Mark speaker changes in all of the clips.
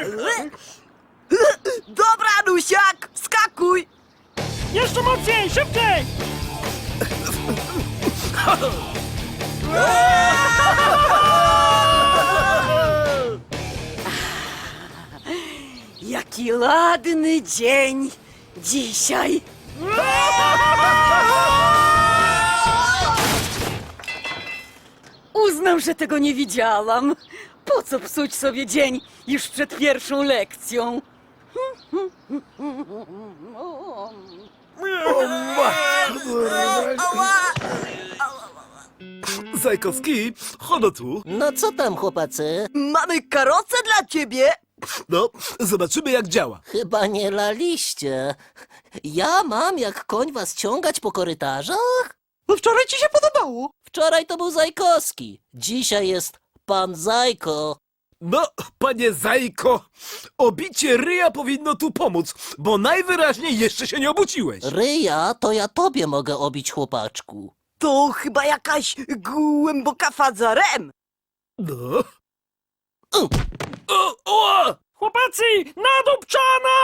Speaker 1: Dobra, Anusiak, skakuj!
Speaker 2: Jeszcze mocniej, szybciej!
Speaker 1: Jaki ładny dzień dzisiaj. Uznam, że tego nie widziałam. Po co psuć sobie dzień już przed pierwszą lekcją?
Speaker 3: Zajkowski, chodź tu.
Speaker 4: No co tam, chłopacy?
Speaker 1: Mamy karocę dla ciebie.
Speaker 3: No, zobaczymy jak działa.
Speaker 4: Chyba nie laliście. Ja mam jak koń was ciągać po korytarzach?
Speaker 2: No wczoraj ci się podobało.
Speaker 4: Wczoraj to był Zajkowski. Dzisiaj jest pan Zajko.
Speaker 3: No, panie Zajko, obicie ryja powinno tu pomóc, bo najwyraźniej jeszcze się nie obuciłeś.
Speaker 4: Ryja to ja tobie mogę obić, chłopaczku.
Speaker 1: To chyba jakaś głęboka faza REM.
Speaker 3: No. O!
Speaker 2: Chłopacy, nadupczana!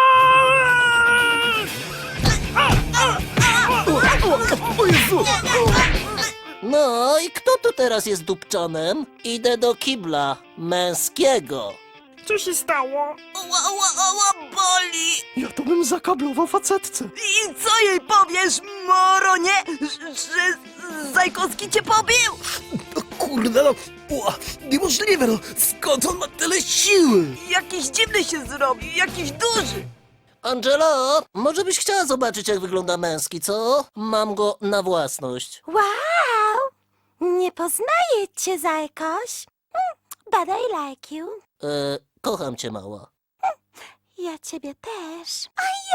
Speaker 3: O Jezu!
Speaker 4: No i kto tu teraz jest dupczonem? Idę do kibla męskiego.
Speaker 2: Co się stało?
Speaker 1: Ała, boli.
Speaker 2: Ja to bym zakablował facetce.
Speaker 1: I co jej powiesz, Moronie, że Zajkowski cię pobił?
Speaker 3: No kurde, no, niemożliwe, no, skąd on ma tyle siły?
Speaker 1: Jakiś dziwny się zrobił, jakiś duży.
Speaker 4: Angelo, może byś chciała zobaczyć, jak wygląda męski, co? Mam go na własność.
Speaker 5: Wow! Nie poznaję cię, Zajkoś. But I like you.
Speaker 4: Kocham cię, mała.
Speaker 5: Ja ciebie też.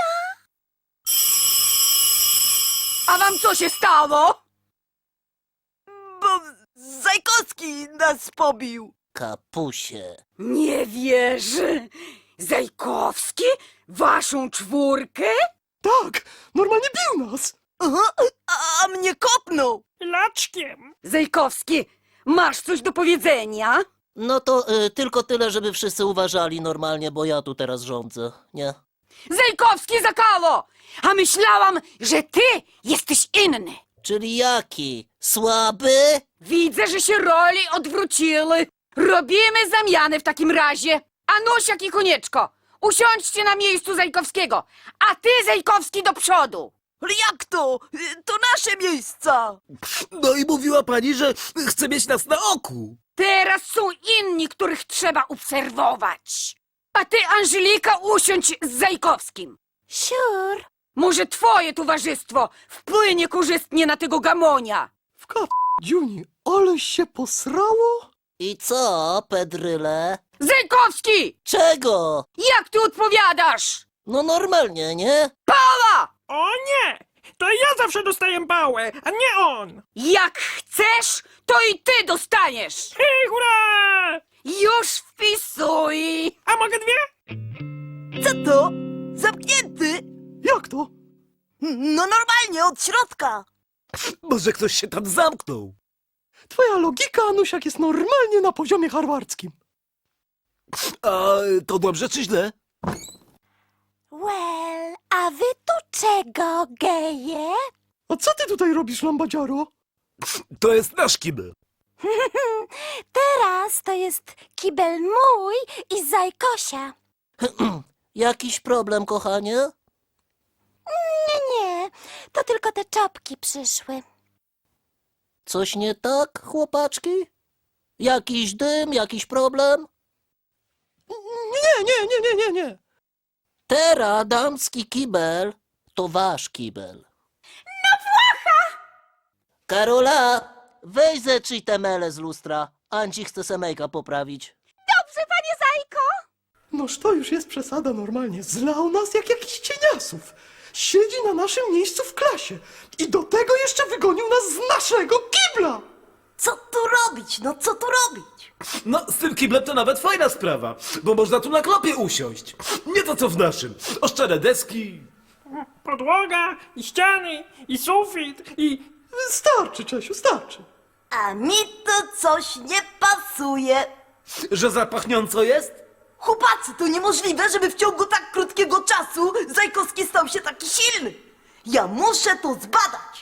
Speaker 1: A wam co się stało? Bo Zajkowski nas pobił.
Speaker 4: Kapusie.
Speaker 1: Nie wierzę. Zajkowski? Waszą czwórkę?
Speaker 2: Tak, normalnie bił nas.
Speaker 1: Aha, a mnie kopnął.
Speaker 2: Laczkiem.
Speaker 1: Zajkowski, masz coś do powiedzenia?
Speaker 4: No to tylko tyle, żeby wszyscy uważali normalnie, bo ja tu teraz rządzę, nie?
Speaker 1: Zajkowski zakało! A myślałam, że ty jesteś inny.
Speaker 4: Czyli jaki? Słaby?
Speaker 1: Widzę, że się roli odwróciły. Robimy zamiany w takim razie. Anusiak i Konieczko, usiądźcie na miejscu Zajkowskiego, a ty, Zajkowski, do przodu. Ale jak to? To nasze miejsca.
Speaker 3: No i mówiła pani, że chce mieć nas na oku.
Speaker 1: Teraz są inni, których trzeba obserwować. A ty, Angelika, usiądź z Zajkowskim.
Speaker 5: Siur.
Speaker 1: Może twoje towarzystwo wpłynie korzystnie na tego gamonia.
Speaker 2: W Dziuni, ale się posrało?
Speaker 4: I co, Pedryle?
Speaker 1: Zajkowski!
Speaker 4: Czego?
Speaker 1: Jak ty odpowiadasz?
Speaker 4: No normalnie, nie?
Speaker 1: Pała!
Speaker 2: O nie! To ja zawsze dostaję pałę, a nie on!
Speaker 1: Jak chcesz, to i ty dostaniesz.
Speaker 2: Hej, hurra!
Speaker 1: Już wpisuj.
Speaker 2: A mogę dwie?
Speaker 1: Co to? Zamknięty?
Speaker 2: Jak to?
Speaker 1: No normalnie, od środka.
Speaker 3: Może ktoś się tam zamknął.
Speaker 2: Twoja logika, Anusiak, jest normalnie na poziomie harwardzkim.
Speaker 3: A to dobrze czy źle?
Speaker 5: Well, a wy tu czego, geje?
Speaker 2: A co ty tutaj robisz, lambadziaro?
Speaker 3: To jest nasz kibel.
Speaker 5: Teraz to jest kibel mój i Zajkosia.
Speaker 4: Jakiś problem, kochanie?
Speaker 5: Nie, to tylko te czopki przyszły.
Speaker 4: Coś nie tak, chłopaczki? Jakiś dym, jakiś problem?
Speaker 2: Nie.
Speaker 4: Teraz damski kibel to wasz kibel. No Karola, weź zetrzyj te mele z lustra. Anci chce se make-up poprawić.
Speaker 5: Dobrze, panie Zajko.
Speaker 2: Noż to już jest przesada normalnie. Zlał nas jak jakiś cieniasów. Siedzi na naszym miejscu w klasie. I do tego jeszcze wygonił nas z naszego kibla.
Speaker 1: Co tu robić? No co tu robić?
Speaker 3: No, z tym kiblem to nawet fajna sprawa, bo można tu na klopie usiąść. Nie to co w naszym. Oszczere deski.
Speaker 2: Podłoga, i ściany, i sufit, i... Starczy, Czesiu, starczy.
Speaker 1: A mi to coś nie pasuje.
Speaker 3: Że zapachniąco jest?
Speaker 6: Chłopacy, to niemożliwe, żeby w ciągu tak krótkiego czasu Zajkowski stał się taki silny. Ja muszę to zbadać.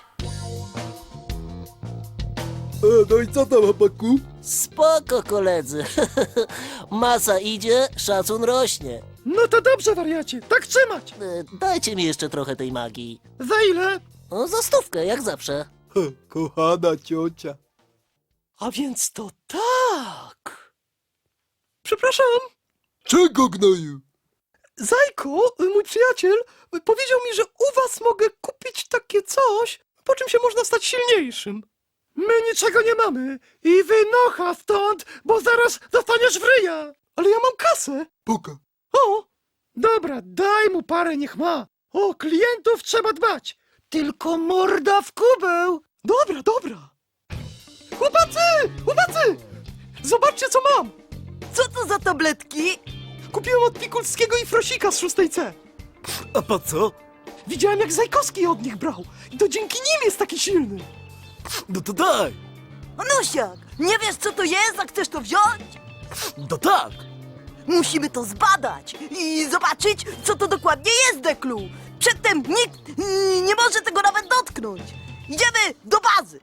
Speaker 3: No i co tam, chłopaku?
Speaker 4: Spoko, koledzy. Masa idzie, szacun rośnie.
Speaker 2: No to dobrze, wariacie, tak trzymać.
Speaker 4: Dajcie mi jeszcze trochę tej magii.
Speaker 2: Za ile?
Speaker 4: O, za 100, jak zawsze.
Speaker 3: Kochana ciocia.
Speaker 2: A więc to tak. Przepraszam.
Speaker 3: Czego, gnoju?
Speaker 2: Zajko, mój przyjaciel, powiedział mi, że u was mogę kupić takie coś, po czym się można stać silniejszym. My niczego nie mamy i wynocha stąd, bo zaraz dostaniesz w ryja. Ale ja mam kasę.
Speaker 3: Puka.
Speaker 2: O! Dobra, daj mu parę, niech ma. O klientów trzeba dbać. Tylko morda w kubeł. Dobra, dobra. Chłopacy! Chłopacy! Zobaczcie, co mam.
Speaker 6: Co to za tabletki?
Speaker 2: Kupiłem od Pikulskiego i Frosika z 6C.
Speaker 3: A po co?
Speaker 2: Widziałem, jak Zajkowski od nich brał. I to dzięki nim jest taki silny.
Speaker 3: No to daj.
Speaker 6: Anusiak, nie wiesz co to jest, a chcesz to wziąć?
Speaker 3: No tak.
Speaker 6: Musimy to zbadać i zobaczyć, co to dokładnie jest, Deklu. Przedtem nikt nie może tego nawet dotknąć. Idziemy do bazy.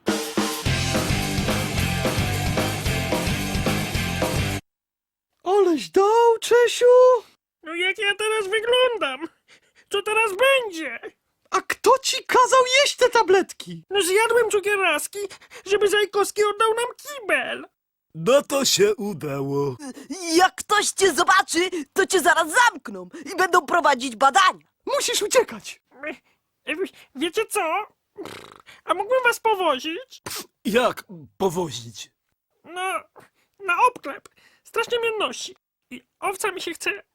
Speaker 2: Oleś dał, Czesiu.
Speaker 7: No jak ja teraz wyglądam? Co teraz będzie?
Speaker 2: A kto ci kazał jeść te tabletki?
Speaker 7: No zjadłem cukieraski, żeby Zajkowski oddał nam kibel.
Speaker 3: No to się udało.
Speaker 6: Jak ktoś cię zobaczy, to cię zaraz zamkną i będą prowadzić badania.
Speaker 2: Musisz uciekać.
Speaker 7: Wiecie co? A mógłbym was powozić?
Speaker 3: Jak powozić?
Speaker 7: No, na obklep. Strasznie mnie nosi. I owca mi się chce